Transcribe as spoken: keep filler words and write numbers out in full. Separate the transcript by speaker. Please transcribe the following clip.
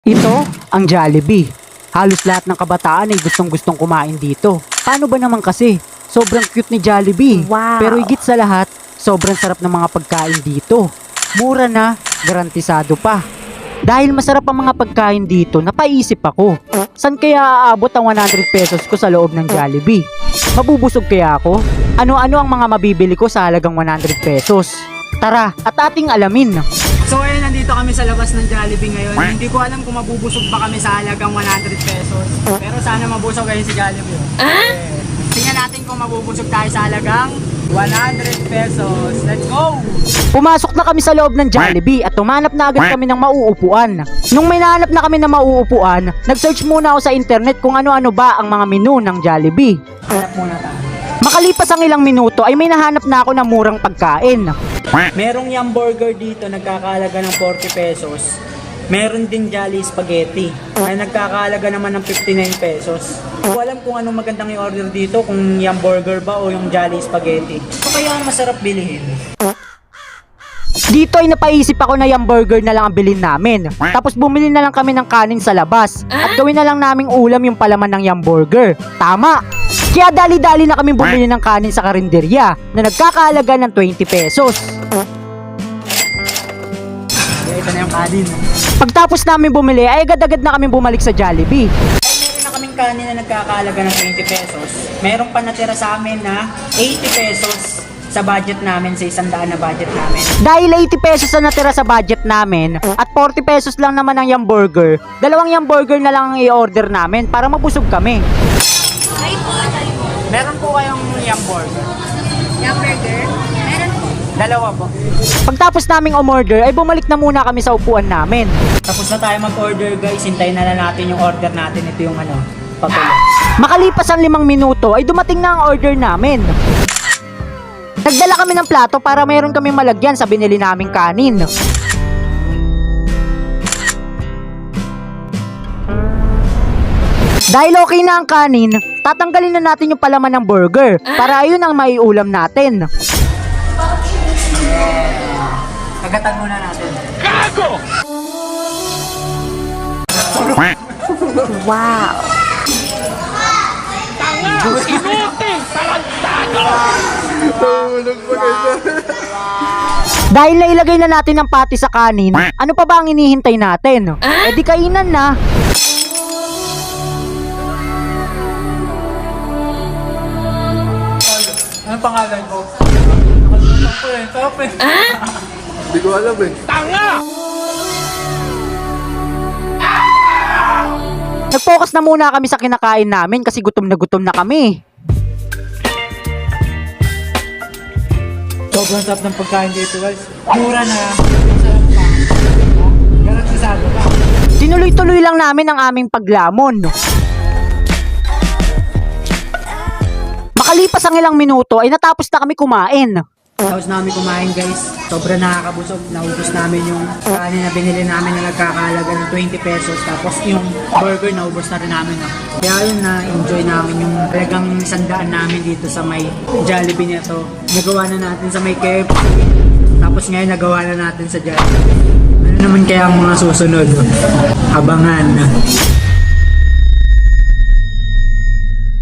Speaker 1: Ito ang Jollibee. Halos lahat ng kabataan ay gustong-gustong kumain dito. Paano ba naman kasi? Sobrang cute ni Jollibee.
Speaker 2: Wow.
Speaker 1: Pero higit sa lahat, sobrang sarap ng mga pagkain dito. Mura na, garantisado pa. Dahil masarap ang mga pagkain dito, napaisip ako. San kaya aabot ang one hundred pesos ko sa loob ng Jollibee? Mabubusog kaya ako? Ano-ano ang mga mabibili ko sa halagang one hundred pesos? Tara, at ating alamin.
Speaker 3: So ayun, nandito kami sa labas ng Jollibee ngayon. Hindi ko alam kung mabubusog pa kami sa halagang one hundred pesos. Pero sana mabusog kayo si Jollibee. Ah? Tingnan natin kung mabubusog tayo sa halagang one hundred pesos. Let's go!
Speaker 1: Pumasok na kami sa loob ng Jollibee at tumanap na agad kami ng mauupuan. Nung may nahanap na kami ng mauupuan, nag-search muna ako sa internet kung ano-ano ba ang mga menu ng Jollibee.
Speaker 3: Hanap muna tayo.
Speaker 1: Makalipas ang ilang minuto ay may nahanap na ako ng murang pagkain.
Speaker 3: Merong Yum Burger dito, nagkakahalaga ng forty pesos. Meron din Jolly Spaghetti na nagkakahalaga naman ng fifty-nine pesos. Hindi ko alam kung anong magandang i-order dito, kung Yum Burger ba o yung Jolly Spaghetti. Ito kaya ang masarap bilhin.
Speaker 1: Dito ay napaisip ako na yung burger na lang ang bilhin namin. Tapos bumili na lang kami ng kanin sa labas. At gawin na lang naming ulam yung palaman ng yung burger. Tama! Kaya dali-dali na kami bumili ng kanin sa karinderya na nagkakahalaga ng twenty pesos.
Speaker 3: Kaya ito na yung kanin.
Speaker 1: Pagtapos namin bumili ay agad-agad na kami bumalik sa Jollibee.
Speaker 3: Meron na kaming kanin na nagkakahalaga ng twenty pesos. Meron pa natira sa amin na eighty pesos sa budget namin, sa isang daan na budget namin.
Speaker 1: Dahil eighty pesos na natira sa budget namin at forty pesos lang naman ang yung burger, dalawang yung burger na lang ang i-order namin para mabusog kami.
Speaker 3: Meron po kayong Yum Burger?
Speaker 2: Yum burger? Meron po.
Speaker 3: Dalawa po.
Speaker 1: Pagtapos naming umorder ay bumalik na muna kami sa upuan namin.
Speaker 3: Tapos na tayo mag-order, guys. Hintayin na lang natin yung order natin. Ito yung ano, patuloy.
Speaker 1: Makalipas ang limang minuto ay dumating na ang order namin. Nagdala kami ng plato para mayroon kaming malagyan sa binili naming kanin. Dahil okay na ang kanin, tatanggalin na natin yung palaman ng burger para ayun ang maiulam natin.
Speaker 3: Kagatan muna natin.
Speaker 2: Wow.
Speaker 1: Dahil nailagay na natin ang pati sa kanin, ano pa ba ang hinihintay natin? Eh di kainan na.
Speaker 3: Ano pangalan ko? Nakalimutan ko eh. Sarap eh.
Speaker 4: Hindi ko alam eh.
Speaker 1: Nag-focus na muna kami sa kinakain namin kasi gutom na gutom na kami.
Speaker 3: Sobrang sarap ng pagkain dito, guys. Mura na. Sarap pa. Garantisado pa.
Speaker 1: Tinuloy-tuloy lang namin ang aming paglamon. Makalipas ang ilang minuto ay natapos na kami kumain.
Speaker 3: Tapos namin kumain, guys. Sobrang nakakabusog. Naubos namin yung kanin na binili namin na nagkakahalaga ng twenty pesos. Tapos yung burger, naubos na rin namin. Kaya yun, na-enjoy namin yung talagang sandaan namin dito sa may Jollibee nito. Nagawa na natin sa may K F C. Tapos ngayon, nagawa na natin sa Jollibee. Ano naman kaya ang mga susunod? Abangan.